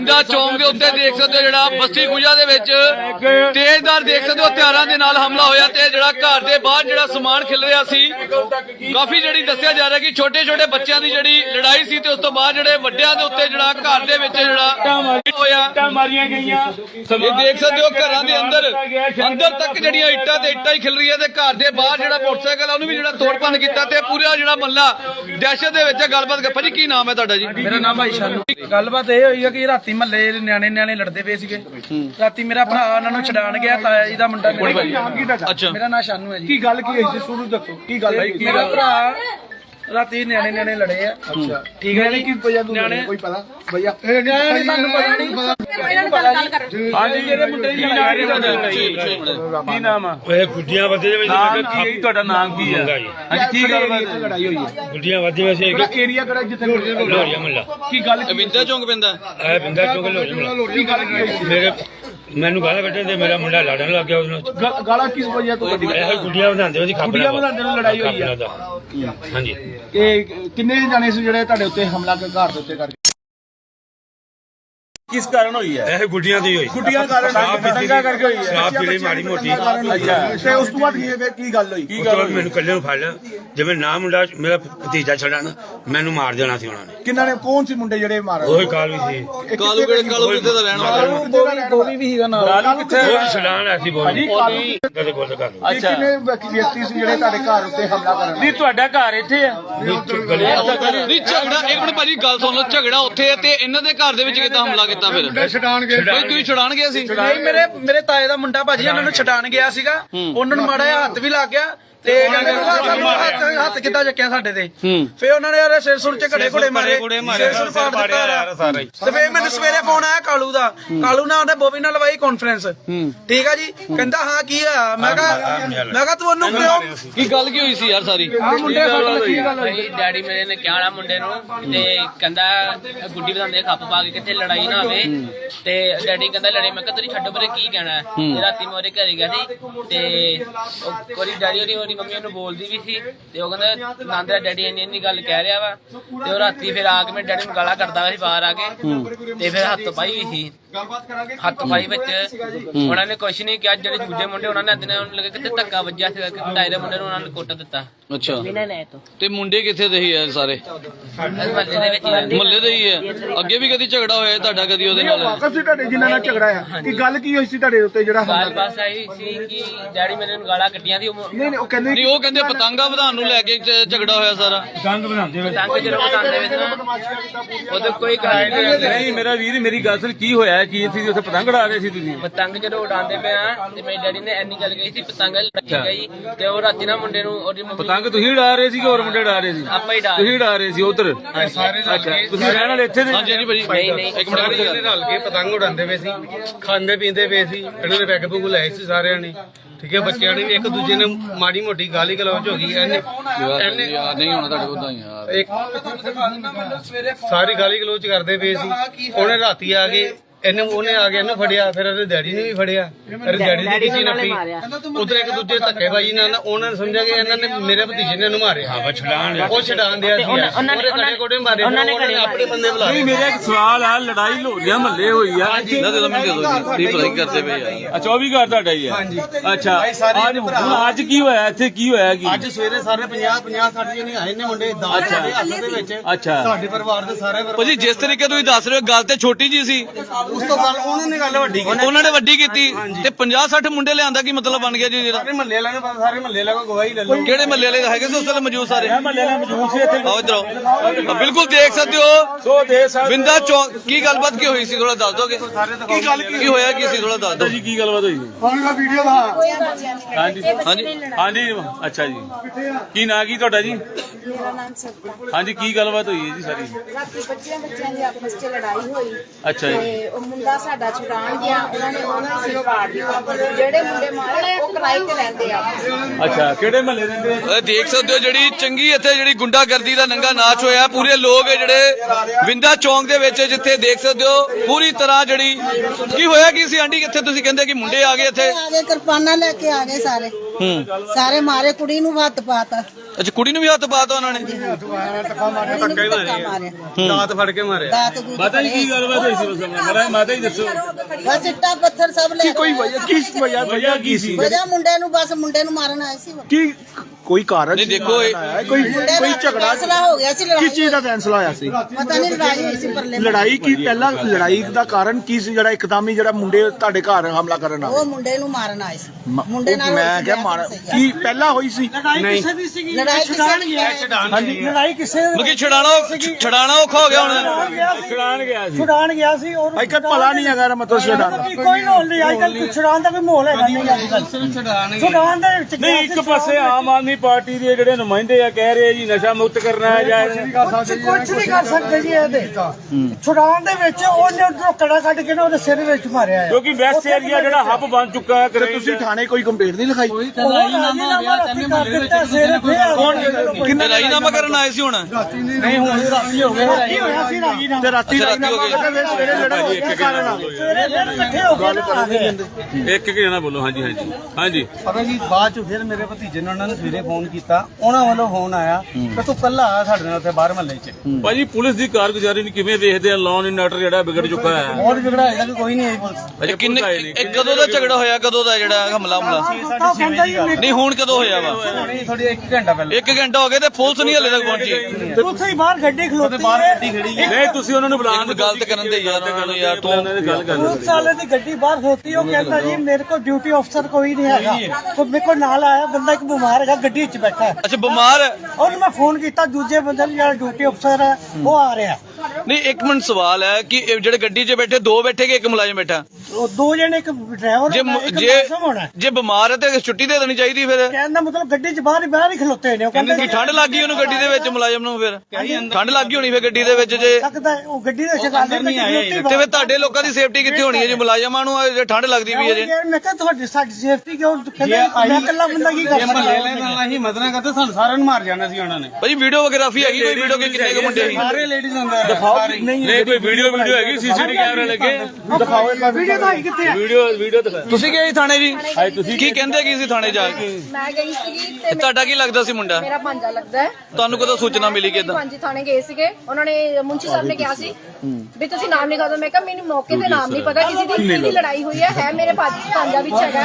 चौक के उत्ते देख सकते हो जिहड़ा बस्ती गुजा दे विच तेजदार देख सकते हो हथियारां दे नाल हमला होया ते जिहड़ा घर दे बाहर जिहड़ा समान खिल रहा सी काफी जिहड़ी दस्सिया जा रहा कि छोटे छोटे बच्चों की जिहड़ी लड़ाई सी ते उस तो बाद जिहड़े वड्डियां दे उत्ते जिहड़ा घर दे विच जिहड़ा होया मारियां गईयां ये देख सकते हो घरां दे अंदर तक जिहड़ियां इट्टां ते इट्टां ही खिल रही है ते घर दे बाहर जिहड़ा मोटरसाइकिल ओनू भी जिहड़ा तोड़ भन्न कीता ते पूरा जिहड़ा मल्ला दहशत दे विच गलबात कर भाजी की नाम है तुहाडा जी मेरा नाम भाई शानू गलबात ਇਹ ਹੋਈ ਹੈ ਕਿ ਰਾਤੀ ਮਹੱਲੇ ਨਿਆਣੇ ਲੜਦੇ ਪਏ ਸੀਗੇ ਰਾਤੀ ਮੇਰਾ ਭਰਾ ਉਹਨਾਂ ਨੂੰ ਛਡਾਣ ਗਿਆ ਤਾਇਆ ਜੀ ਦਾ ਮੁੰਡਾ ਅੱਛਾ ਮੇਰਾ ਨਾਮ ਸ਼ਾਨੂ ਹੈ ਜੀ ਕੀ ਗੱਲ ਕੀ ਹੋਈ ਸੀ ਸ਼ੁਰੂ ਦੱਸੋ ਕੀ ਗੱਲ ਹੈ ਮੇਰਾ ਭਰਾ ਰਾਤੀ ਨਿਆਣੇ ਲੜੇ ਆ ਅੱਛਾ ਠੀਕ ਹੈ ਜੀ ਕੀ ਵਜ੍ਹਾ ਤੋਂ ਲੜੇ ਕੋਈ ਪਤਾ ਭਈਆ ਨਿਆਣੇ ਸਾਨੂੰ ਪਤਾ ਨਹੀਂ ਹਾਂਜੀ ਜਿਹੜੇ ਮੁੰਡੇ ਦੀ ਕੀ ਨਾਮ ਆ ਇਹ ਗੁੱਡੀਆਂ ਵੱਧੇ ਦੇ ਵਿੱਚ ਨਾਮ ਕੀ ਹੈ ਤੁਹਾਡਾ ਨਾਮ ਕੀ ਹੈ ਹਾਂਜੀ ਕੀ ਗੱਲ ਲੜਾਈ ਹੋਈ ਹੈ ਗੁੱਡੀਆਂ ਵੱਧੇ ਵਿੱਚ ਇੱਕ ਏਰੀਆ ਕਿਹੜਾ ਜਿੱਥੇ ਲੋਰੀਆ ਮੱਲਾ ਕੀ ਗੱਲ ਅਵਿੰਦਾ ਚੌਂਕ ਪੈਂਦਾ ਇਹ ਬਿੰਦਾ ਚੁੱਕ ਲੋਰੀਆ ਮੱਲਾ ਕੀ ਗੱਲ ਕੀ ਹੋਈ ਸੀ? ਮੇਰੇ ਮੈਨੂੰ ਗਾਲਾਂ ਕੱਢਣ ਤੇ ਮੇਰਾ ਮੁੰਡਾ ਲੜਨ ਲੱਗ ਗਿਆ ਉਹਦੇ ਨਾਲ ਗਾਲਾਂ ਕਿਸ ਵਜ੍ਹਾ ਤੋਂ ਕੱਢੀਆਂ ਇਹ ਗੁੱਡੀਆਂ ਵਧਾਉਂਦੇ ਉਹਦੀ ਖਾਪੜਾ ਗੁੱਡੀਆਂ ਵਧਾਉਂਦੇ ਨੂੰ ਲੜਾਈ ਹੋਈ ਆ। ਹਾਂਜੀ ਇਹ ਕਿੰਨੇ ਜਾਣੇ ਸੀ ਜਿਹੜੇ ਤੁਹਾਡੇ ਉੱਤੇ ਹਮਲਾ ਘਰ ਦੇ ਉੱਤੇ ਕਰਕੇ ਕਿਸ ਕਾਰਨ ਹੋਈ ਹੈ ਇਹ ਗੁੱਡੀਆਂ ਦੀ ਹੋਈ ਗੁੱਡੀਆਂ ਕਾਰਨ ਦੰਗਾ ਕਰਕੇ ਹੋਈ ਹੈ ਸ਼ਰਾਬ ਪੀ ਲਈ ਮਾੜੀ ਮੋਟੀ ਅੱਛਾ ਤੇ ਉਸ ਤੋਂ ਬਾਅਦ ਕੀ ਗੱਲ ਹੋਈ ਉਸ ਤੋਂ ਬਾਅਦ ਮੈਨੂੰ ਕੱਲੇ ਨੂੰ ਫੜ ਲਿਆ ਜਿਵੇਂ ਨਾ ਮੁੰਡਾ ਮੇਰਾ ਭਤੀਜਾ ਛੱਡਣਾ ਮੈਨੂੰ ਮਾਰ ਦੇਣਾ ਸੀ ਉਹਨਾਂ ਨੇ ਕਿੰਨਾਂ ਨੇ ਕੌਣ ਸੀ ਮੁੰਡੇ ਜਿਹੜੇ ਮਾਰੇ ਉਹੀ ਕਾਲ ਵੀ ਸੀ ਕਾਲੂ ਕਿੱਥੇ ਦਾ ਰਹਿਣ ਵਾਲਾ ਬੋਲੀ ਵੀ ਸੀਗਾ ਨਾਲ ਕਾਲੂ ਕਿੱਥੇ ਉਹ ਛਲਾਣ ਐਸੀ ਬੋਲੀ ਕਦੇ ਕੋਲ ਕਰ ਕਿੰਨੇ ਵਿਅਕਤੀ ਸੀ ਜਿਹੜੇ ਤੁਹਾਡੇ ਘਰ ਉੱਤੇ ਹਮਲਾ ਕਰਨ ਨਹੀਂ ਤੁਹਾਡਾ ਘਰ ਇੱਥੇ ਆ ਨਹੀਂ ਝਗੜਾ ਇੱਕ ਮਿੰਟ ਭਾਜੀ ਗੱਲ ਸੁਣ ਲਓ ਝਗੜਾ ਉੱਥੇ ਹੈ ਤੇ ਇਹਨਾਂ ਦੇ ਘਰ ਦੇ ਵਿੱਚ ਕਿੱਦਾਂ ਹਮਲਾ ਕੀਤਾ ਫਿਰ ਛਡਾਣ ਕੋਈ ਤੁਸੀਂ ਛੁਡਾਣ ਗਏ ਸੀ ਨਹੀਂ ਮੇਰੇ ਤਾਏ ਦਾ ਮੁੰਡਾ ਭਾਜੀ ਉਹਨਾਂ ਨੂੰ ਛਡਾਣ ਗਿਆ ਸੀਗਾ ਉਹਨਾਂ ਨੂੰ ਮਾੜਾ ਜਿਹਾ ਹੱਥ ਵੀ ਲੱਗ ਗਿਆ ਤੇ ਕਹਿੰਦੇ ਹੱਥ ਕਿੱਦਾਂ ਚੱਕਿਆ ਸਾਡੇ ਤੇ ਫੇਰ ਉਹਨਾਂ ਨੇ ਯਾਰ ਸਿਰ ਸੁਰ ਚ ਘੜੇ ਮਾਰੇ ਸਿਰ ਸੁਰ ਪਾੜ ਦਿੱਤਾ ਤੇ ਫੇਰ ਮੈਨੂੰ ਸਵੇਰੇ ਫੋਨ ਆਇਆ ਕਾਲੂ ਦਾ ਕਾਲੂ ਨਾਲ ਉਹਨੇ ਬੋਬੀ ਨਾਲ ਲਵਾਈ ਕਾਨਫਰੰਸ ਠੀਕ ਆ ਜੀ ਕਹਿੰਦਾ ਹਾਂ ਕੀ ਆ ਮੈਂ ਕਿਹਾ ਤੂੰ ਉਹਨੂੰ ਕਿਉਂ ਕੀ ਗੱਲ ਕੀ ਹੋਈ ਸੀ ਯਾਰ ਸਾਰੀ ਮੁੰਡੇ ਕੀ ਗੱਲ ਭਾਈ ਡੈਡੀ ਮੇਰੇ ਨੇ ਕਿਹਾ ਮੁੰਡੇ ਨੂੰ ਤੇ ਕਹਿੰਦਾ ਗੁੱਡੀ ਵਧਾਉਂਦੇ ਖੱਪ ਪਾ ਕੇ ਕਿੱਥੇ ਲੜਾਈ ਨਾ ਹੋਵੇ ਤੇ ਡੈਡੀ ਕਹਿੰਦਾ ਲੜੇ ਮੈਂ ਕਿਹਾ ਤੇਰੀ ਛੱਡੋ ਪਰੇ ਕੀ ਕਹਿਣਾ ਤੇ ਰਾਤੀ ਮੈਂ ਉਹਦੇ ਘਰੇ ਗਿਆ ਸੀ ਤੇ ਕੋਈ ਡੈਡੀ ਉਹਦੀ ਮੰਮੀ ਉਹਨੂੰ ਬੋਲਦੀ ਵੀ ਸੀ ਤੇ ਉਹ ਕਹਿੰਦਾ ਨਾਂਦਰਾ ਡੈਡੀ ਇੰਨੀ ਗੱਲ ਕਹਿ ਰਿਹਾ ਵਾ ਤੇ ਉਹ ਰਾਤੀ ਫਿਰ ਆ ਕੇ ਮੇਰੇ ਡੈਡੀ ਨੂੰ ਗਾਲਾਂ ਕਰਦਾ ਸੀ ਬਾਹਰ ਆ ਕੇ ਤੇ ਫਿਰ ਹੱਥ ਪਾਈ ਵੀ ਸੀ ਹੱਥ ਪਾਈ ਵਿੱਚ ਉਹਨਾਂ ਨੇ ਕੁਛ ਨਹੀਂ ਕਿਹਾ ਜਿਹੜੇ ਦੂਜੇ ਮੁੰਡੇ ਉਹਨਾਂ ਨੇ ਉਹਨੂੰ ਲੱਗੇ ਕਿਤੇ ਧੱਕਾ ਵੱਜਿਆ ਸੀ ਤਾਏ ਦੇ ਮੁੰਡੇ ਨੂੰ ਉਹਨਾਂ ਨੇ ਕੁੱਟ ਦਿੱਤਾ ਅੱਛਾ ਤੇ ਮੁੰਡੇ ਕਿੱਥੇ ਦੇ ਹੀ ਆ ਸਾਰੇ ਮਹੱਲੇ ਦੇ ਵਿੱਚ ਮੁਹੱਲੇ ਦੇ ਹੀ ਹੈ ਅੱਗੇ ਵੀ ਕਦੀ ਝਗੜਾ ਹੋਇਆ ਤੁਹਾਡਾ ਕਦੀ ਉਹਦੇ ਨਾਲ ਵਾਕਫ ਸੀ ਤੁਹਾਡੇ ਜਿਨ੍ਹਾਂ ਨਾਲ ਝਗੜਾ ਆ ਕੀ ਗੱਲ ਕੀ ਹੋਈ ਸੀ ਤੁਹਾਡੇ ਉੱਤੇ ਜਿਹੜਾ ਹਮਲਾ ਗੱਲ ਬਸ ਆਈ ਸੀ ਕਿ ਡੈਡੀ ਮੇਰੇ ਨੂੰ ਗਾਲਾਂ ਕੱਢੀਆਂ ਦੀ ਨਹੀਂ ਉਹ ਕਹਿੰਦੇ ਨਹੀਂ ਉਹ ਕਹਿੰਦੇ ਪਤੰਗਾ ਵਧਾਉਣ ਨੂੰ ਲੈ ਕੇ ਝਗੜਾ ਹੋਇਆ ਸਾਰਾ ਦੰਗ ਬਣਾਉਂਦੇ ਵਿੱਚ ਤੰਗ ਜਦੋਂ ਬਣਾਉਂਦੇ ਵਿੱਚ ਨਾ ਉਹਦੇ ਕੋਈ ਕਰਾਈ ਨਹੀਂ ਮੇਰਾ ਵੀਰ ਮੇਰੀ ਗੱਲ ਸੁਣ ਕੀ ਹੋਇਆ ਕੀ ਸੀ ਉੱਥੇ ਪਤੰਗ ਉਡਾ ਰਹੇ ਸੀ ਤੁਸੀਂ ਪਤੰਗ ਜਦੋਂ ਉਡਾਉਂਦੇ ਪਏ ਆ ਤੇ ਮੇਰੇ ਡੈਡੀ ਨੇ ਇੰਨੀ ਗੱਲ ਕਹੀ ਸੀ ਪਤੰਗ ਲੱਗੀ ਗਈ ਤੇ ਉਹ ਰਾਤੀ ਨਾ ਮੁੰਡੇ ਨੂੰ ਉਹਦੀ ਮੰਮੀ ਪਤੰਗ ਤੁਸੀਂ ਉਡਾ ਰਹੇ ਸੀ ਕਿ ਹੋਰ ਮੁੰਡੇ ਉਡਾ ਰਹੇ ਸੀ ਆਪਾਂ ਹੀ ਡਾਲ ਤੁਸੀਂ ਉਡਾ ਰਹੇ ਸੀ ਉਧਰ ਅੱਛਾ ਤੁਸੀਂ ਰਹਿਣ ਵਾਲੇ ਇੱਥੇ ਦੇ ਹਾਂਜੀ ਹਾਂਜੀ ਭਾਜੀ ਨਹੀਂ ਇੱਕ ਮਿੰਟ ਰਲ ਕੇ ਪਤੰਗ ਉਡਾਉਂਦੇ ਪਏ ਸੀ ਖਾਂਦੇ ਪੀਂਦੇ ਪਏ ਸੀ ਇਹਨਾਂ ਨੇ ਪੈਗ ਪੁਗ ਲਾਏ ਸੀ ਸਾਰਿਆਂ ਨੇ ਠੀਕ ਹੈ ਬੱਚਿਆਂ ਨੇ ਵੀ ਇੱਕ ਦੂਜੇ ਨੇ ਮਾੜੀ ਮੋਟੀ ਗਾਲੀ ਗਲੋਚ ਹੋ ਗਈ ਇਹਨੇ ਯਾਰ ਨਹੀਂ ਹੋਣਾ ਤੁਹਾਡੇ ਕੋਲ ਤਾਂ ਯਾਰ ਇੱਕ ਸਾਰੀ ਗਾਲੀ ਗਲੋਚ ਕਰਦੇ ਪਏ ਸੀ ਉਹਨੇ ਰਾਤੀ ਆ ਕੇ ਉਹਨੇ ਆ ਕੇ ਇਹਨੂੰ ਫੜਿਆ ਫਿਰ ਇਹਦੇ ਡੈਡੀ ਨੇ ਵੀ ਫੜਿਆ ਫਿਰ ਡੈਡੀ ਦੀ ਕਿਸੇ ਨੇ ਪੀ ਉਧਰ ਇੱਕ ਦੂਜੇ ਧੱਕੇ ਬਾਜੀ ਨਾਲ ਉਹਨਾਂ ਨੇ ਸਮਝਿਆ ਕਿ ਇਹਨਾਂ ਨੇ ਮੇਰੇ ਭਤੀਜੇ ਨੇ ਇਹਨੂੰ ਮਾਰਿਆ ਹਾਂ ਛਲਾਣ ਉਹ ਛਡਾਣ ਦਿਆ ਸੀ ਉਹਨੇ ਕੋਡੇ ਮਾਰੇ ਉਹਨਾਂ ਨੇ ਆਪਣੇ ਬੰਦੇ ਬੁਲਾ ਨਹੀਂ ਮੇਰਾ ਇੱਕ ਸਵਾਲ ਆ ਲੜਾਈ ਲੋਰੀਆਂ ਮਹੱਲੇ ਹੋਈ ਆ ਨਾ ਦੇ ਮੈਨੂੰ ਦੇ ਦੋ ਜੀ ਪੜਾਈ ਕਰਦੇ ਪਏ ਯਾਰ ਅੱਛਾ ਉਹ ਵੀ ਘਰ ਤੁਹਾਡਾ ਹੀ ਆ ਅੱਛਾ ਅੱਜ ਕੀ ਹੋਇਆ ਇੱਥੇ ਕੀ ਹੋਇਆ ਕੀ ਅੱਜ ਸਵੇਰੇ ਸਾਰੇ 50 60 ਜਣੇ ਆਏ ਨੇ ਮੁੰਡੇ ਦਾਜ ਦੇ ਹੱਥ ਦੇ ਵਿੱਚ ਅੱਛਾ ਸਾਡੇ ਪਰਿਵਾਰ ਦੇ ਸਾਰੇ ਭਾਜੀ ਜਿਸ ਤਰੀਕੇ ਤੁਸੀਂ ਦੱਸ ਰਹੇ ਹੋ ਗੱਲ ਤੇ ਛੋਟੀ ਜੀ ਸੀ ਉਸ ਤੋਂ ਬਾਅਦ ਉਹਨਾਂ ਨੇ ਗੱਲ ਵੱਡੀ ਕੀਤੀ ਉਹਨਾਂ ਨੇ ਵੱਡੀ ਕੀਤੀ ਤੇ 50 60 ਮੁੰਡੇ ਲਿਆਂਦਾ ਕੀ ਮਤਲਬ ਬਣ ਗਿਆ ਜੀ ਇਹਦਾ ਸਾਰੇ ਮਹੱਲੇ ਵਾਲਿਆਂ ਨੇ ਪਤਾ ਸਾਰੇ ਮਹੱਲੇ ਵਾਲਿਆਂ ਕੋ ਗਵਾਹੀ ਲੈ ਲਓ ਕਿਹੜੇ ਮਹੱਲੇ ਵਾਲੇ ਹੈਗੇ ਸੀ ਉਸ ਵੇਲੇ ਮੌਜੂਦ ਸਾਰੇ ਮਹੱਲੇ ਨਾਲ ਮੌਜੂਦ ਸੀ ਇੱਥੇ ਆਓ ਇਧਰ ਆਓ ਬਿਲਕੁਲ ਦੇਖ ਸਕਦੇ ਹੋ ਸੋ ਦੇ ਸਕਦੇ ਬਿੰਦਾ ਚੌਂਕ ਕੀ ਗੱਲਬਾਤ ਕੀ ਹੋਈ ਸੀ ਥੋੜਾ ਦੱਸ ਦੋਗੇ ਕੀ ਗੱਲ ਕੀ ਹੋਇਆ ਕੀ ਸੀ ਥੋੜਾ ਦੱਸ ਦਿਓ ਜੀ ਕੀ ਗੱਲਬਾਤ ਹੋਈ ਹੁਣ ਦਾ ਵੀਡੀਓ ਦਾ ਹਾਂਜੀ ਹਾਂਜੀ ਹਾਂਜੀ ਅੱਛਾ ਜੀ ਕੀ ਨਾਂ ਕੀ ਤੁਹਾਡਾ ਜੀ ਮੇਰਾ ਨਾਮ ਸਬਕਾ ਹਾਂਜੀ ਕੀ ਗੱਲਬਾਤ ਹੋਈ ਹੈ ਜੀ ਸਾਰੀ ਰਾਤੀ ਬੱਚਿਆਂ ਦੀ ਆਪਸ ਵਿੱਚ ਲੜਾਈ ਹੋਈ ਅੱਛਾ ਜੀ ਤੇ ਉਹ ਮੁੰਡਾ ਸਾਡਾ ਛੁਡਾਣ ਗਿਆ ਉਹਨਾਂ ਨੇ ਉਹਨੂੰ ਸਿਰ ਪਾੜ ਦਿੱਤਾ ਜਿਹੜੇ ਮੁੰਡੇ ਮਾਰੇ ਉਹ ਕਿਰਾਏ ਤੇ ਰਹਿੰਦੇ ਆ ਅੱਛਾ ਕਿਹੜੇ ਮਹੱਲੇ ਰਹਿੰਦੇ ਆ ਦੇਖ ਸਕਦੇ ਹੋ ਜਿਹੜੀ ਚੰਗੀ ਇੱਥੇ ਜਿਹੜੀ ਗੁੰਡਾਗਰਦੀ ਦਾ ਨੰਗਾ ਨਾਚ ਹੋਇਆ ਪੂਰੇ ਲੋਕ ਜਿਹੜੇ ਵਿੰਦਾ ਚੌਂਕ ਦੇ ਵਿੱਚ ਜਿੱਥੇ ਦੇਖ ਸਕਦੇ ਹੋ ਪੂਰੀ ਤਰ੍ਹਾਂ ਜਿਹੜੀ ਕੀ ਹੋਇਆ ਕੀ ਸੀ ਆਂਟੀ ਕਿੱਥੇ ਤੁਸੀਂ ਕਹਿੰਦੇ ਕਿ ਮੁੰਡੇ ਆ ਗਏ ਇੱਥੇ ਆ ਗਏ ਕਿਰਪਾਨਾਂ ਲੈ ਕੇ ਆ ਗਏ ਸਾਰੇ ਸਾਰੇ ਮਾਰੇ, ਕੁੜੀ ਨੂੰ ਹੱਥ ਪਾਤਾ, ਅੱਛਾ ਕੁੜੀ ਨੂੰ ਵੀ ਹੱਥ ਪਾਤਾ ਉਹਨਾਂ ਨੇ। ਧੱਕਾ ਮਾਰਿਆ, ਦਾਤ ਫੜ ਕੇ ਮਾਰਿਆ। ਦਾਤ ਦੂਤ ਮਾਤਾ ਜੀ ਕੀ ਗੱਲਬਾਤ ਹੋਈ ਸੀ ਉਸ ਸਮੇਂ? ਮਾਤਾ ਜੀ ਦੱਸੋ ਬਸ ਇੱਟਾਂ ਪੱਥਰ ਸਭ ਲੈ ਕੋਈ ਵਜ੍ਹਾ ਕੀ ਸੀ? ਵਜ੍ਹਾ ਮੁੰਡੇ ਨੂੰ, ਬਸ ਮੁੰਡੇ ਨੂੰ ਮਾਰਨ ਆਏ ਸੀ। ਕੀ ਕੋਈ ਕਾਰਨ ਨਹੀਂ ਸੀ? ਦੇਖੋ ਕੋਈ ਮੁੰਡੇ ਕੋਈ ਦਾ ਝਗੜਾ ਫੈਸਲਾ ਹੋ ਗਿਆ ਸੀ, ਲੜਾਈ ਕਿਸ ਚੀਜ਼ ਦਾ ਫੈਸਲਾ ਹੋਇਆ ਸੀ? ਪਤਾ ਨਹੀਂ ਲੜਾਈ ਹੋਈ ਸੀ ਪਰਲੇ ਲੜਾਈ ਕੀ ਪਹਿਲਾਂ ਲੜਾਈ ਦਾ ਕਾਰਨ ਕੀ ਸੀ ਜਿਹੜਾ ਇੱਕਦਮ ਹੀ ਜਿਹੜਾ ਮੁੰਡੇ ਤੁਹਾਡੇ ਘਰ ਹਮਲਾ ਕਰਨ ਉਹ ਆਏ? ਮੁੰਡੇ ਨੂੰ ਮਾਰਨ ਆਏ ਸੀ। ਮੁੰਡੇ ਨਾਲ ਮੈਂ ਕਿਹਾ ਮਾਰ ਕੀ ਪਹਿਲਾਂ ਹੋਈ ਸੀ? ਲੜਾਈ ਛਡਾਣ ਗਿਆ, ਲੜਾਈ ਕਿਸੇ ਕਿਉਂਕਿ ਛਡਾਣਾ ਔਖਾ ਹੋ ਗਿਆ ਹੁਣ। ਛੁਡਾਣ ਗਿਆ ਸੀ। ਛੁਡਾਣ ਗਿਆ ਸੀ ਔਰ ਇੱਕ ਭਲਾ ਨਹੀਂ ਹੈਗਾ ਮਤਲਬ ਛਡਾਣਾ। ਕੋਈ ਮਾਹੌਲ ਨਹੀਂ ਅੱਜ ਕੱਲ, ਛੁਡਾਣ ਦਾ ਕੋਈ ਮਾਹੌਲ ਹੈਗਾ ਨਹੀਂ ਅੱਜ ਕੱਲ। ਛੁਡਾਣ ਦੇ ਵਿੱਚ ਨਹੀਂ ਇੱਕ ਪਾਸੇ ਆਮ ਆਦਮੀ ਪਾਰਟੀ ਦੇ ਜਿਹੜੇ ਨੁਮਾਇੰਦੇ ਆ ਕਹਿ ਰਹੇ ਜੀ ਨਸ਼ਾ ਮੁਕਤ ਕਰਨਾ ਹੈ ਜਾਂ ਕੁਝ ਨਹੀਂ ਕਰ ਸਕਦੇ ਜੀ ਇਹਦੇ। ਛੁਡਾਣ ਦੇ ਵਿੱਚ ਉਹਨੇ ਉਧਰੋਂ ਕੜਾ ਕੱਢ ਕੇ ਨਾ ਉਹਦੇ ਸਿਰ ਵਿੱਚ ਮਾਰਿਆ ਹੈ। ਕਿਉਂਕਿ ਵੈਸਟ ਏਰੀਆ ਜਿਹੜਾ ਹੱਬ ਬਣ ਚੁੱਕਾ ਹੈ ਤੇ ਤੁਸੀਂ ਥਾਣੇ ਕੋਈ ਕੰਪਲੇਂਟ ਨਹੀਂ ਲਿਖਾਈ? ਕਿੰਨੇ ਰਾਜੀਨਾਮਾ ਕਰਨ ਆਏ ਸੀ ਹੁਣ? ਨਹੀਂ ਹੁਣ ਰਾਤੀ ਹੋ ਗਏ, ਰਾਤੀ ਹੋਇਆ ਸੀ ਰਾਜੀਨਾਮਾ। ਤੇ ਰਾਤੀ ਅੱਛਾ, ਰਾਤੀ ਹੋ ਗਏ। ਸਵੇਰੇ ਜਿਹੜਾ ਕੀ ਕਾਰਨ ਆ? ਸਵੇਰੇ ਫਿਰ ਇਕੱਠੇ ਹੋ ਕੇ ਨਾ ਆ ਗਏ। ਇੱਕ ਜਣਾ ਬੋਲੋ। ਹਾਂਜੀ ਹਾਂਜੀ ਹਾਂਜੀ ਪਤਾ ਜੀ ਬਾਅਦ ਚ ਫਿਰ ਮੇਰੇ ਭਤੀਜੇ ਨੇ ਉਹਨਾਂ ਨੇ ਸਵੇਰੇ ਫੋਨ ਕੀਤਾ, ਉਹਨਾਂ ਵੱਲੋਂ ਫੋਨ ਆਇਆ ਕਿ ਤੂੰ ਕੱਲਾ ਆ ਸਾਡੇ ਨਾਲ ਉੱਥੇ ਬਾਹਰ ਮਹੱਲੇ 'ਚ। ਭਾਜੀ ਪੁਲਿਸ ਦੀ ਕਾਰਗੁਜ਼ਾਰੀ ਨੂੰ ਕਿਵੇਂ ਦੇਖਦੇ ਆ? ਲਾਅ ਐਂਡ ਆਰਡਰ ਜਿਹੜਾ ਵਿਗੜ ਚੁੱਕਾ ਹੈ। ਹੋਰ ਝਗੜਾ ਹੈਗਾ ਕਿ ਕੋਈ ਨਹੀਂ ਆਈ ਪੁਲਿਸ। ਅੱਛਾ ਕਿੰਨੇ ਇਹ ਕਦੋਂ ਦਾ ਝਗੜਾ ਹੋਇਆ? ਕਦੋਂ ਦਾ ਜਿਹੜਾ ਹਮਲਾ ਨਹੀਂ ਹੁਣ ਕਦੋਂ ਹੋਇਆ ਵਾ? ਥੋੜੀ 1 ਘੰਟਾ ਪਹਿਲਾਂ। 1 ਘੰਟਾ ਹੋ ਗਿਆ ਤੇ ਪੁਲਿਸ ਨਹੀਂ ਹਲੇ ਤੱਕ ਪਹੁੰਚੀ। ਉੱਥੇ ਹੀ ਬਾਹਰ ਗੱਡੀ ਖਲੋਤੀ ਬਾਹਰ ਗੱਡੀ ਖੜੀ ਹੈ। ਨਹੀਂ ਤੁਸੀਂ ਉਹਨਾਂ ਨੂੰ ਬੁਲਾਉਣ ਇੱਕ ਗੱਲ ਤੇ ਕਰਨ ਦੇ ਯਾਰ ਉਹਨਾਂ ਨੂੰ ਯਾਰ ਤੂੰ ਗੱਲ ਕਰ ਪੁਲਿਸ ਵਾਲੇ ਦੀ ਗੱਡੀ ਬਾਹਰ ਖਲੋਤੀ, ਉਹ ਕਹਿੰਦਾ ਜੀ ਮੇਰੇ ਕੋਲ ਡਿਊਟੀ ਅਫਸਰ ਕੋਈ ਨਹੀਂ ਹੈਗਾ। ਉਹ ਮੇਰੇ ਕੋਲ ਨਾਲ ਆਇਆ ਬੰਦਾ, ਇੱਕ ਬਿਮਾਰ ਹੈਗਾ, ਗੱਡੀ 'ਚ ਬੈਠਾ ਹੈ। ਅੱਛਾ ਬਿਮਾਰ ਹੈ? ਉਹਨੂੰ ਮੈਂ ਫੋਨ ਕੀਤਾ, ਦੂਜੇ ਬੰਦੇ ਨੂੰ ਜਿਹੜਾ ਡਿਊਟੀ ਅਫਸਰ ਹੈ ਉਹ ਆ ਰਿਹਾ। ਨਹੀਂ ਇੱਕ ਮਿੰਟ ਸਵਾਲ ਹੈ ਕਿ ਇਹ ਜਿਹੜੇ ਗੱਡੀ 'ਚ ਬੈਠੇ ਦੋ ਬੈਠੇ ਕਿ ਇੱਕ ਮੁਲਾਜ਼ਮ ਬੈਠਾ? ਉਹ ਦੋ ਜਣੇ, ਇੱਕ ਡਰਾਈਵਰ ਜੇ ਇੱਕ ਜੇ ਮੁਲਾਜ਼ਮ ਹੋਣਾ। ਜੇ ਬਿਮਾਰ ਹੈ ਤੇ ਛੁੱਟੀ ਦੇ ਦੇਣੀ ਚਾਹੀਦੀ ਫਿਰ। ਕਹਿੰਦਾ ਮਤਲਬ ਗੱਡੀ 'ਚ ਬਾਹਰ ਹੀ ਖਲੋਤੇ ਨੇ। ਉਹ ਕੀ ਕਹਿੰਦੇ ਠੰਡ ਲੱਗ ਗਈ ਉਹਨੂੰ ਗੱਡੀ ਦੇ ਵਿੱਚ ਮੁਲਾਜ਼ਮ ਨੂੰ? ਫਿਰ ਠੰਡ ਲੱਗ ਗਈ ਹੋਣੀ ਫਿਰ ਗੱਡੀ ਦੇ ਵਿੱਚ ਜੇ। ਸਕਦਾ ਹੈ, ਉਹ ਗੱਡੀ ਦੇ ਵਿੱਚ ਗੱਲ ਨਹੀਂ ਆਇਆ। ਤੇ ਫਿਰ ਤੁਹਾਡੇ ਲੋਕਾਂ ਦੀ ਸੇਫਟੀ ਕਿੱਥੇ ਹੋਣੀ ਹੈ ਜੀ? ਮੁਲਾਜ਼ਮਾਂ ਨੂੰ ਜੇ ਠੰਡ ਲੱਗਦੀ ਵੀ ਹੈ ਜੇ। ਮੈਂ ਕਿਹਾ ਤੁਹਾਡੀ ਸਾਡੀ ਸੇਫਟੀ ਕਿਉਂ? ਕਹਿੰਦੇ ਮੈਂ ਇਕੱਲਾ ਬੰਦਾ ਕੀ ਕਰ ਜੇ ਸਕਦਾ? ਮਹੱਲੇ ਵਾਲੇ ਨਾਲ ਅਸੀਂ ਮਦਦ ਨਾ ਕਰਦੇ ਸਾਨੂੰ ਸਾਰਿਆਂ ਨੂੰ ਮਾਰ ਜਾਣਾ ਸੀ ਉਹਨਾਂ ਨੇ। ਭਾਜੀ ਵੀਡੀਓਗ੍ਰਾਫੀ ਹੈਗੀ ਕੋਈ? ਵੀਡੀਓ ਕਿੰਨੇ ਕੁ ਮੁੰਡੇ ਸੀ? ਸਾਰੇ ਲੇਡੀਜ਼ ਅੰਦਰ। ਨਹੀਂ ਕੋਈ ਵੀਡੀਓ ਹੈਗੀ? ਸੀਸੀਟੀਵੀ ਕੈਮਰਾ ਲੱਗੇ? ਵੀਡੀਓ ਤਾਂ ਹੈ ਕਿੱਥੇ ਆ? ਵੀਡੀਓ ਦਿਖਾ। ਤੁਸੀਂ ਗਏ ਸੀ ਥਾਣੇ ਜੀ? ਤੁਸੀਂ ਕੀ ਕਹਿੰਦੇ ਕੀ ਸੀ ਥਾਣੇ ਜਾ ਕੇ? ਮੈਂ ਗਈ ਸੀਗੀ ਤੇ ਤੁਹਾਡਾ ਕੀ ਲੱਗਦਾ ਸੀ ਮੁੰਡਾ? ਮੇਰਾ ਭਾਂਜਾ ਲੱਗਦਾ ਹੈ। ਤੁਹਾਨੂੰ ਕਦੋਂ ਸੂਚਨਾ ਮਿਲੀ ਕਿਦਾਂ? ਹਾਂਜੀ ਥਾਣੇ ਗਏ ਸੀਗੇ, ਉਹਨਾਂ ਨੇ ਮੁੰਸ਼ੀ ਸਾਹਿਬ ਨੇ ਕਿਹਾ ਸੀ ਵੀ ਤੁਸੀਂ ਨਾਮ ਲਿਖਾ ਦਿਓ। ਮੈਂ ਕਿਹਾ ਮੈਨੂੰ ਮੌਕੇ ਤੇ ਨਾਮ ਨਹੀਂ ਪਤਾ ਕਿਸੇ ਦੀ ਕਿਹਦੀ ਲੜਾਈ ਹੋਈ ਹੈ ਮੇਰੇ ਭਾਂਜਾ ਵਿੱਚ ਹੈਗਾ।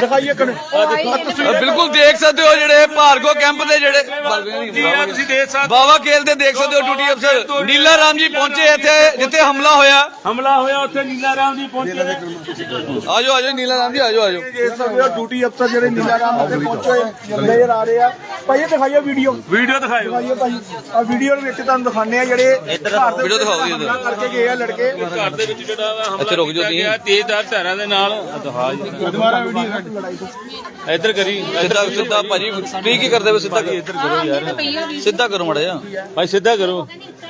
ਬਿਲਕੁਲ ਦੇਖ ਸਕਦੇ ਹੋ ਜਿਹੜੇ ਭਾਰਗੋ ਕੈਂਪ ਦੇ ਜਿਹੜੇ ਤੁਸੀਂ ਦੇਖ ਸਕਦੇ ਬਾਵਾ ਖੇਲ ਦੇ ਦੇਖ ਸਕਦੇ ਹੋ ਡਿਊਟੀ ਅਫਸਰ ਨੀਲਾ ਰਾਮ ਜੀ ਪਹੁੰਚੇ ਇੱਥੇ ਜਿੱਥੇ ਹਮਲਾ ਹੋਇਆ ਉੱਥੇ ਨੀਲਾ ਰਾਮ ਜੀ ਪਹੁੰਚੇ। ਆਜੋ ਆਜੋ ਨੀਲਾ ਰਾਮ ਜੀ ਆਜੋ ਦੇਖ ਸਕਦੇ ਹੋ ਡਿਊਟੀ ਅਫਸਰ ਜਿਹੜੇ ਨੀਲਾ ਰਾਮ ਉੱਤੇ ਪਹੁੰਚੇ ਨਜ਼ਰ ਆ ਰਹੇ ਆ। ਭਾਈ ਇਹ ਦਿਖਾਈਓ ਵੀਡੀਓ ਦਿਖਾਇਓ ਭਾਈ। ਆ ਵੀਡੀਓ ਦੇ ਵਿੱਚ ਤੁਹਾਨੂੰ ਦਿਖਾਉਂਦੇ ਆ ਜਿਹੜੇ ਘਰ ਦੇ ਵੀਡੀਓ ਦਿਖਾਓ ਜੀ ਇੱਧਰ। ਹਮਲਾ ਕਰਕੇ ਗਏ ਆ ਲੜਕੇ। ਘਰ ਦੇ ਵਿੱਚ ਜਿਹੜਾ ਵਾ ਹਮਲਾ ਇੱਥੇ ਰੁਕ ਜਾਓ ਤੁਸੀਂ। ਕੀਤਾ ਤੇਜ਼ਧਾਰ ਧਾਰਾਂ ਦੇ ਨਾਲ। ਦੁਬਾਰਾ ਵੀਡੀਓ ਇੱਧਰ ਕਰੀ ਸਿੱਧਾ ਭਾਜੀ ਤੁਸੀਂ ਕੀ ਕਰਦੇ ਹੋ? ਸਿੱਧਾ ਇੱਧਰ ਕਰੋ ਯਾਰ, ਸਿੱਧਾ ਕਰੋ ਮੜਾ ਜਾ ਭਾਈ ਸਿੱਧਾ ਕਰੋ।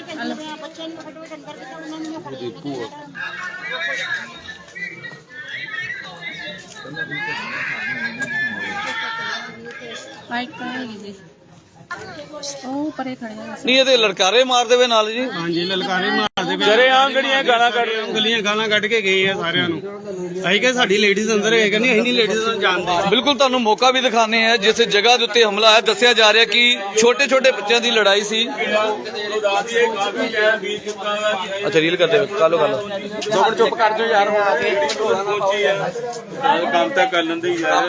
ਉਹ ਪਰੇ ਖੜੇ ਆ। ਨਹੀਂ ਇਹਦੇ ਲੜਕਾਰੇ ਮਾਰਦੇ ਵੇ ਨਾਲ ਜੀ। ਹਾਂਜੀ ਲਲਕਾਰੇ ਮਾਰਦੇ ਜਰੇ ਆਂਗੜੀਆਂ ਗਾਲਾਂ ਕੱਢ ਰਹੇ ਗਲੀਆਂ ਗਾਲਾਂ ਕੱਢ ਕੇ ਗਏ ਆ ਸਾਰਿਆਂ ਨੂੰ। ਅਸੀਂ ਕਿ ਸਾਡੀ ਲੇਡੀਜ਼ ਅੰਦਰ ਹੈ ਕਹਿੰਦੀ ਅਸੀਂ ਨਹੀਂ ਲੇਡੀਜ਼ ਨੂੰ ਜਾਣਦੇ। ਬਿਲਕੁਲ ਤੁਹਾਨੂੰ ਮੌਕਾ ਵੀ ਦਿਖਾਣੇ ਆ ਜਿਸ ਜਗ੍ਹਾ ਦੇ ਉੱਤੇ ਹਮਲਾ ਹੈ। ਦੱਸਿਆ ਜਾ ਰਿਹਾ ਕਿ ਛੋਟੇ ਛੋਟੇ ਬੱਚਿਆਂ ਦੀ ਲੜਾਈ ਸੀ। ਅੱਛਾ ਰੀਲ ਕਰਦੇ ਵੇ ਕਾਲੋ ਚੁੱਪ ਕਰ ਜਾਓ ਯਾਰ। ਕੰਮ ਤਾਂ ਕਰ ਲੈਂਦੇ ਹੀ ਯਾਰ।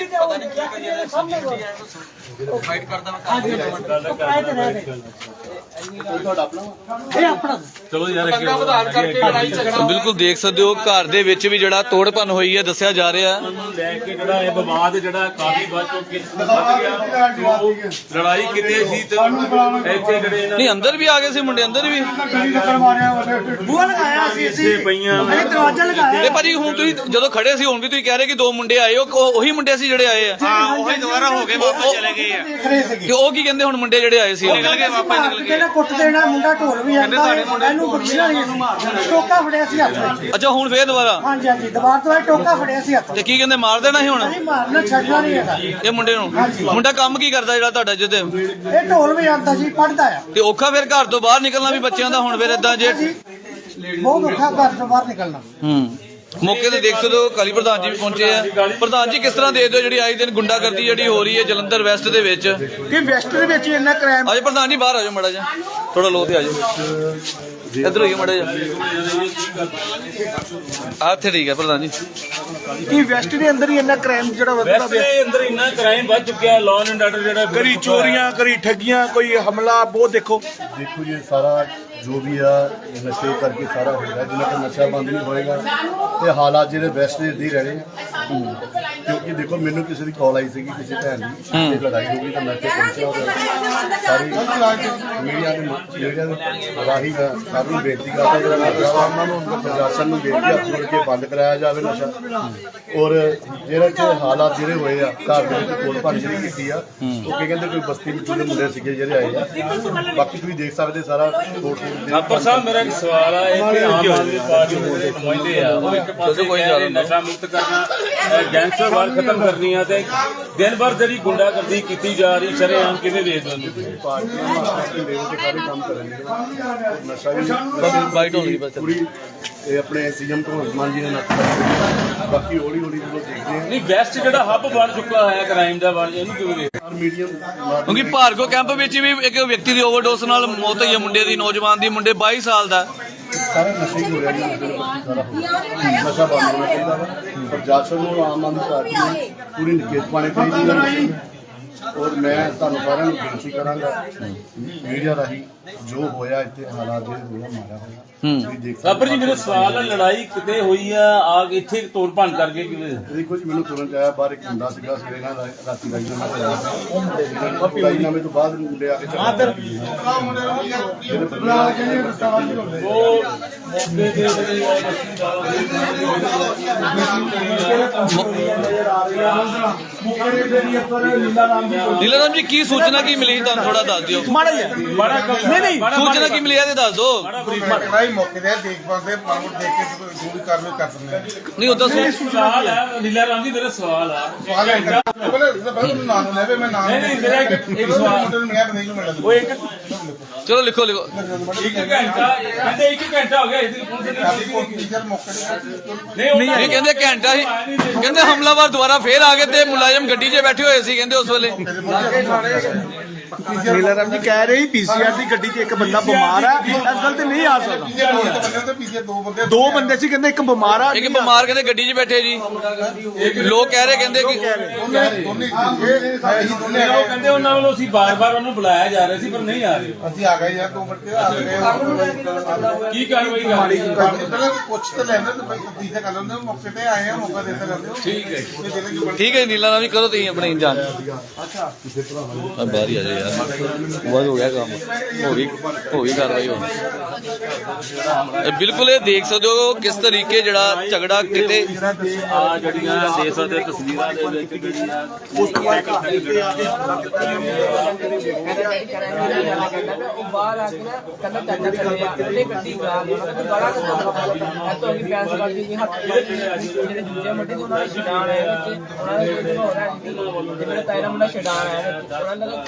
ਚਲੋ ਯਾਰ ਬਿਲਕੁਲ ਦੇਖ ਸਕਦੇ ਹੋ ਘਰ ਦੇ ਵਿੱਚ ਵੀ ਜਿਹੜਾ ਤੋੜਪਨ ਹੋਈ ਹੈ ਦੱਸਿਆ ਜਾ ਰਿਹਾ। ਲੈ ਕੇ ਜਿਹੜਾ ਇਹ ਵਿਵਾਦ ਜਿਹੜਾ ਕਾਫੀ ਵੱਧ ਚੁੱਕਿਆ। ਲੜਾਈ ਕਿਤੇ ਸੀ ਤੇ ਇੱਥੇ ਜਿਹੜੇ ਨਹੀਂ ਅੰਦਰ ਵੀ ਆ ਗਏ ਸੀ ਮੁੰਡੇ ਅੰਦਰ ਵੀ। ਬੂਹਾ ਲਗਾਇਆ ਸੀ ਅਸੀਂ ਪਈਆਂ ਦਰਵਾਜ਼ਾ ਲਗਾਇਆ। ਤੇ ਭਾਜੀ ਹੁਣ ਤੁਸੀਂ ਜਦੋਂ ਖੜੇ ਸੀ ਹੁਣ ਵੀ ਤੁਸੀਂ ਕਹਿ ਰਹੇ ਕਿ ਦੋ ਮੁੰਡੇ ਆਏ ਉਹੀ ਮੁੰਡੇ ਸੀ ਜਿਹੜੇ ਆਏ ਆ। ਉਹੀ ਦੁਬਾਰਾ ਹੋ ਗਏ ਵਾਪਸ ਚਲੇ ਗਏ ਆ। ਤੇ ਉਹ ਕੀ ਕਹਿੰਦੇ ਹੁਣ ਮੁੰਡੇ ਜਿਹੜੇ ਆਏ ਸੀ? ਨਿਕਲ ਗਏ ਵਾਪਸ ਨਿਕਲ ਗਏ। ਕਹਿੰਦਾ ਕੁੱਟ ਦੇਣਾ ਮੁੰਡਾ ਢੋਲ ਵੀ ਆਂਦਾ ਇਹਨੂੰ ਬਖਸ਼ਣਾ ਨਹੀਂ ਅਸੀਂ। ਟੋਕਾ ਫੜਿਆ ਸੀ ਹੱਥ ਵਿੱਚ। ਅੱਛਾ ਹੁਣ ਫੇਰ ਦੁਬਾਰਾ? ਹਾਂਜੀ ਹਾਂਜੀ ਦੁਬਾਰਾ ਤੋਂ ਇਹ ਟੋਕਾ ਫੜਿਆ ਸੀ ਹੱਥ ਤੇ ਵਿੱਚ। ਕੀ ਕਹਿੰਦੇ ਮਾਰ ਦੇਣਾ ਸੀ ਹੁਣ ਨਹੀਂ ਮਾਰਨਾ ਛੱਡਣਾ ਨਹੀਂ ਹੈਗਾ। ਇਹ ਮੁੰਡੇ ਨੂੰ? ਮੁੰਡਾ ਕੰਮ ਕੀ ਕਰਦਾ ਜਿਹੜਾ ਤੁਹਾਡਾ ਜਿੱਤੇ? ਇਹ ਢੋਲ ਵੀ ਆਂਦਾ ਜੀ, ਪੜਦਾ ਆ। ਤੇ ਔਖਾ ਫਿਰ ਘਰ ਤੋਂ ਬਾਹਰ ਨਿਕਲਣਾ ਵੀ ਬੱਚਿਆਂ ਦਾ ਹੁਣ ਫਿਰ ਏਦਾਂ ਜੇ। ਬਹੁਤ ਔਖਾ ਘਰ ਤੋਂ ਬਾਹਰ ਨਿਕਲਣਾ। ਮੌਕੇ ਤੇ ਦੇਖ ਸਕਦੇ ਹੋ ਕਾਲੀ ਪ੍ਰਧਾਨ ਜੀ ਵੀ ਪਹੁੰਚੇ ਆ। ਪ੍ਰਧਾਨ ਜੀ ਕਿਸ ਤਰ੍ਹਾਂ ਦੇਖਦੇ ਹੋ ਜਿਹੜੀ ਆਏ ਦਿਨ ਗੁੰਡਾਗਰਦੀ ਜਿਹੜੀ ਹੋ ਰਹੀ ਹੈ ਜਲੰਧਰ ਵੈਸਟ ਦੇ ਵਿੱਚ? ਕਿ ਵੈਸਟ ਦੇ ਵਿੱਚ ਇੰਨਾ ਕ੍ਰਾਈਮ ਆਜੋ ਪ੍ਰਧਾਨ ਜੀ ਬਾਹਰ ਆਜੋ ਮੜਾ ਜਾ, ਥੋੜਾ ਲੋ ਤੇ ਆਜੋ, ਇੱਧਰ ਹੋਈਏ ਮੜਾ ਜਾ। ਇੱਥੇ ਠੀਕ ਹੈ ਪ੍ਰਧਾਨ ਜੀ। ਕਿ ਵੈਸਟ ਦੇ ਅੰਦਰ ਹੀ ਇੰਨਾ ਕ੍ਰਾਈਮ ਜਿਹੜਾ ਵੱਧਦਾ ਵੈਸਟ ਪਿਆ, ਦੇ ਅੰਦਰ ਇੰਨਾ ਕ੍ਰਾਈਮ ਵੱਧ ਚੁੱਕਿਆ, ਲਾਅ ਐਂਡ ਆਰਡਰ ਜਿਹੜਾ ਕਰੀ ਚੋਰੀਆਂ ਕਰੀ ਠੱਗੀਆਂ ਕੋਈ ਹਮਲਾ ਬਹੁਤ ਦੇਖੋ ਜੀ ਸਾਰਾ ਜੋ ਵੀ ਆ ਨਸ਼ੇ ਕਰਕੇ ਸਾਰਾ ਹੋ ਰਿਹਾ, ਜਿੰਨਾ ਤੱਕ ਨਸ਼ਾ ਬੰਦ ਨਹੀਂ ਹੋਏਗਾ ਤੇ ਹਾਲਾਤ ਜਿਹੜੇ ਵੈਸਟ ਦੇ ਇੱਦਾਂ ਹੀ ਰਹਿਣੇ ਆ। ਕਿਉਂਕਿ ਦੇਖੋ ਮੈਨੂੰ ਕਿਸੇ ਦੀ ਕਾਲ ਆਈ ਸੀਗੀ ਕਿਸੇ ਭੈਣ ਦੀ ਤੇ ਲੜਾਈ ਹੋ ਗਈ ਤਾਂ ਮੈਂ ਇੱਥੇ ਪਹੁੰਚਿਆ ਔਰ ਸਾਰੀ ਮੀਡੀਆ ਦੇ ਰਾਹੀਂ ਮੈਂ ਸਭ ਨੂੰ ਬੇਨਤੀ ਕਰਦਾ ਜਿਹੜਾ ਉਹਨਾਂ ਨੂੰ ਪ੍ਰਸ਼ਾਸਨ ਨੂੰ ਬੇਨਤੀ ਹੱਥ ਜੋੜ ਕੇ ਬੰਦ ਕਰਾਇਆ ਜਾਵੇ ਨਸ਼ਾ। ਔਰ ਜਿਹੜੇ ਇੱਥੇ ਹਾਲਾਤ ਜਿਹੜੇ ਹੋਏ ਆ ਘਰ ਦੇ ਵਿੱਚ ਤੋੜ ਭੰਨ ਜਿਹੜੀ ਕੀਤੀ ਆ, ਉਹ ਕੀ ਕਹਿੰਦੇ ਕੋਈ ਬਸਤੀ ਵਿੱਚੋਂ ਦੇ ਮੁੰਡੇ ਸੀਗੇ ਜਿਹੜੇ ਆਏ ਆ। ਬਾਕੀ ਤੁਸੀਂ ਦੇਖ ਸਕਦੇ ਸਾਰਾ ਤੋੜ ਪਰ ਸਾਹਿਬ ਮੇਰਾ ਇੱਕ ਸਵਾਲ ਆ, ਇੱਥੇ ਆਮ ਆਦਮੀ ਪਾਰਟੀ ਦੇ ਜਿਹੜੇ ਨੁਮਾਇੰਦੇ ਆ ਉਹ ਇੱਕ ਪਾਸੇ ਕਹਿ ਰਹੇ ਨਸ਼ਾ ਮੁਕਤ ਕਰਨਾ, ਗੈਂਗਸਟਰ ਵਾਰ ਖਤਮ ਕਰਨੀ ਆ, ਤੇ ਦਿਨ ਭਰ ਜਿਹੜੀ ਗੁੰਡਾਗਰਦੀ ਕੀਤੀ ਜਾ ਰਹੀ ਸ਼ਰੇਆਮ ਕਿਵੇਂ ਵੇਚ ਦਿੰਦੇ? ਪਾਰਟੀਆਂ ਆਪਣੇ ਲੈਵਲ ਤੇ ਸਾਰੇ ਕੰਮ ਕਰਨਗੇ। ਨਸ਼ਾ ਵੀ ਬਾਈਟ ਹੋ ਗਈ ਬਸ। ਪੂਰੀ ਇਹ ਆਪਣੇ ਸੀਐਮ ਭਗਵੰਤ ਮਾਨ ਜੀ ਨੇ ਨੱਥ ਬਾਕੀ ਹੌਲੀ ਹੌਲੀ ਜਦੋਂ ਦੇਖਦੇ ਆ ਨਹੀਂ ਵੈਸਟ ਜਿਹੜਾ ਹੱਬ ਬਣ ਚੁੱਕਾ ਹੈ ਕ੍ਰਾਈਮ ਦਾ, ਬਣ ਇਹਨੂੰ ਕਿਵੇਂ ਵੇਖ? ਮੀਡੀਅਮ ਕਿਉਂਕਿ ਭਾਰਗੋ ਕੈਂਪ ਵਿੱਚ ਵੀ ਇੱਕ ਵਿਅਕਤੀ ਦੀ ਓਵਰਡੋਸ ਨਾਲ ਮੌਤ ਹੋਈ ਹੈ, ਮੁੰਡੇ ਦੀ, ਨੌਜਵਾਨ ਦੀ, ਮੁੰਡੇ 22 ਸਾਲ ਦਾ। ਸਾਰਾ ਨਸ਼ਾ ਹੀ ਹੋ ਰਿਹਾ ਜੀ, ਨਸ਼ੇ ਦਾ ਸਾਰਾ ਹੋ ਰਿਹਾ। ਨਸ਼ਾ ਬੰਦ ਹੋਣਾ ਚਾਹੀਦਾ ਵਾ। ਪ੍ਰਸ਼ਾਸਨ ਨੂੰ ਆਮ ਆਦਮੀ ਪਾਰਟੀ ਨੂੰ ਪੂਰੀ ਨਿਕੇਤ ਪਾਣੀ ਚਾਹੀਦੀ ਹੈ ਨਸ਼ੇ ਦੀ। ਔਰ ਮੈਂ ਤੁਹਾਨੂੰ ਸਾਰਿਆਂ ਨੂੰ ਬੇਨਤੀ ਕਰਾਂਗਾ ਮੀਡੀਆ ਰਾਹੀਂ ਜੋ ਹੋਇਆ ਇੱਥੇ ਹਾਲਾਤ ਜਿਹੜੇ ਹੋਇਆ ਮਾਰਿਆ ਹੋਇਆ ਤੁਸੀਂ ਦੇਖ ਸਾਬਰ ਜੀ ਮੇਰਾ ਸਵਾਲ ਹੈ, ਲੜਾਈ ਕਿਤੇ ਹੋਈ ਆ ਕੇ ਇੱਥੇ ਤੋੜ ਭੰਨ ਕਰਕੇ ਕਿਵੇਂ? ਦੇਖੋ ਜੀ ਮੈਨੂੰ ਤੁਰੰਤ ਆਇਆ ਬਾਹਰ ਇੱਕ ਮੁੰਡਾ ਸੀਗਾ ਸਵੇਰੇ ਨਾਲ ਰਾਤੀ ਰਾਜਨਾਮਾ ਹੋਇਆ ਰਾਜਨਾਮੇ ਤੋਂ ਬਾਅਦ ਮੁੰਡੇ ਆ ਕੇ ਨੀਲਾ ਰਾਮ ਜੀ ਕੀ ਸੂਚਨਾ ਕੀ ਮਿਲੀ ਤੁਹਾਨੂੰ ਥੋੜਾ ਦੱਸ ਦਿਓ। ਮਾੜਾ ਜਿਹਾ ਨਹੀਂ ਸੂਚਨਾ ਕੀ ਮਿਲੀ ਹੈ ਤੇ ਦੱਸ ਦਿਓ। ਮੌਕੇ ਤੇ ਦੇਖ ਪਾਉਂਦੇ ਪਾਵਰ ਦੇਖ ਕੇ ਜੋ ਵੀ ਕਾਰਵਾਈ ਕਰ ਸਕਦੇ ਨਹੀਂ ਉਦੋਂ ਸਵਾਲ ਹੈ ਨੀਲਾ ਰਾਮ ਜੀ, ਮੇਰਾ ਸਵਾਲ ਆ ਨਹੀਂ ਮੇਰਾ ਇੱਕ ਸਵਾਲ ਉਹ ਇੱਕ ਚਲੋ ਲਿਖੋ ਲਿਖੋ। ਘੰਟਾ ਕਹਿੰਦੇ 1 ਘੰਟਾ ਹੋ ਗਿਆ ਇਸ ਪੁਲਿਸ ਨੇ ਇਹ ਕਹਿੰਦੇ ਘੰਟਾ ਹੀ, ਕਹਿੰਦੇ ਹਮਲਾਵਰ ਦੁਬਾਰਾ ਫੇਰ ਆ ਗਏ ਤੇ ਮੁਲਾਜ਼ਮ ਗੱਡੀ 'ਚ ਬੈਠੇ ਹੋਏ ਸੀ ਕਹਿੰਦੇ ਉਸ ਵੇਲੇ। ਨੀਲਾ ਰਾਮ ਜੀ ਕਹਿ ਰਹੇ ਪੀਸੀਆਰ ਦੀ ਗੱਡੀ 'ਚ ਇੱਕ ਬੰਦਾ ਬਿਮਾਰ ਹੈ, ਇਸ ਗੱਲ ਤੇ ਨਹੀਂ ਆ ਸਕਦਾ। ਦੋ ਬੰਦੇ ਸੀ ਕਹਿੰਦੇ ਇੱਕ ਬਿਮਾਰ ਆ, ਇੱਕ ਬਿਮਾਰ ਕਹਿੰਦੇ ਗੱਡੀ 'ਚ ਬੈਠੇ ਜੀ। ਲੋਕ ਕਹਿ ਰਹੇ ਕਹਿੰਦੇ ਕਿ ਉਹ ਕਹਿੰਦੇ ਉਹਨਾਂ ਵੱਲੋਂ ਅਸੀਂ ਬਾਰ-ਬਾਰ ਉਹਨੂੰ ਬੁਲਾਇਆ ਜਾ ਰਿਹਾ ਸੀ ਪਰ ਨਹੀਂ ਆ ਰਹੇ। ਅਸੀਂ ਆ ਗਏ ਯਾਰ 2 ਮਿੰਟ ਆ ਗਏ ਕੀ ਕਾਰਵਾਈ ਕਰ ਰਹੀ ਹੈ? ਪੁੱਛ ਤਾਂ ਲੈਂਦੇ ਤੇ ਭਾਈ ਤੀਸਰਾ ਕਰ ਲੈਂਦੇ ਮੌਕੇ ਤੇ ਆਏ ਆ ਮੌਕਾ ਦੇ ਸਕਦੇ ਠੀਕ ਹੈ ਠੀਕ ਹੈ ਨੀਲਾ ਰਾਮ ਜੀ ਕਰੋ ਤੁਸੀਂ ਆਪਣੀ ਜਾਨ। ਅੱਛਾ ਬਾਹਰ ਹੀ ਆ ਜਾਓ ਯਾਰ, ਬਹੁਤ ਹੋ ਗਿਆ ਕੰਮ, ਹੋ ਗਈ ਕਾਰਵਾਈ ਹੋ ਗਈ। ਬਿਲਕੁਲ ਇਹ ਦੇਖ ਸਕਦੇ ਹੋ ਕਿਸ ਤਰੀਕੇ ਜਿਹੜਾ ਝਗੜਾ ਕਿਤੇ ਆ ਜਿਹੜੀਆਂ ਦੇ ਸਕਦੇ ਤਸਵੀਰਾਂ ਦੇ ਵਿੱਚ ਜਿਹੜੀਆਂ ਉਸ ਤੋਂ ਬਾਅਦ ਉਹ ਬਾਹਰ ਆ ਕੇ ਨਾ ਕਹਿੰਦਾ ਚਾਚਾ ਚੱਲੇ ਆ ਕਿਤੇ ਗੱਡੀ ਖਰਾਬ ਹੋਣਾ ਤੇ ਬੜਾ ਇੱਥੋਂ ਅੱਗੇ ਪੈਸ ਕੱਢੀ ਸੀ ਹੱਥ ਜਿਹੜੇ ਦੂਜੇ ਮੁੰਡੇ ਤੋਂ ਉਹਨਾਂ ਨੇ ਛਡਾਣ ਆਇਆ ਵਿੱਚ ਉਹਨਾਂ ਨੇ ਹੋ ਰਿਹਾ ਸੀ ਜਿਹੜਾ ਤਾਇਰਾ ਮੁੰਡਾ ਛਡਾਣ ਆਇਆ ਵਿੱਚ ਉਹਨਾਂ ਦਾ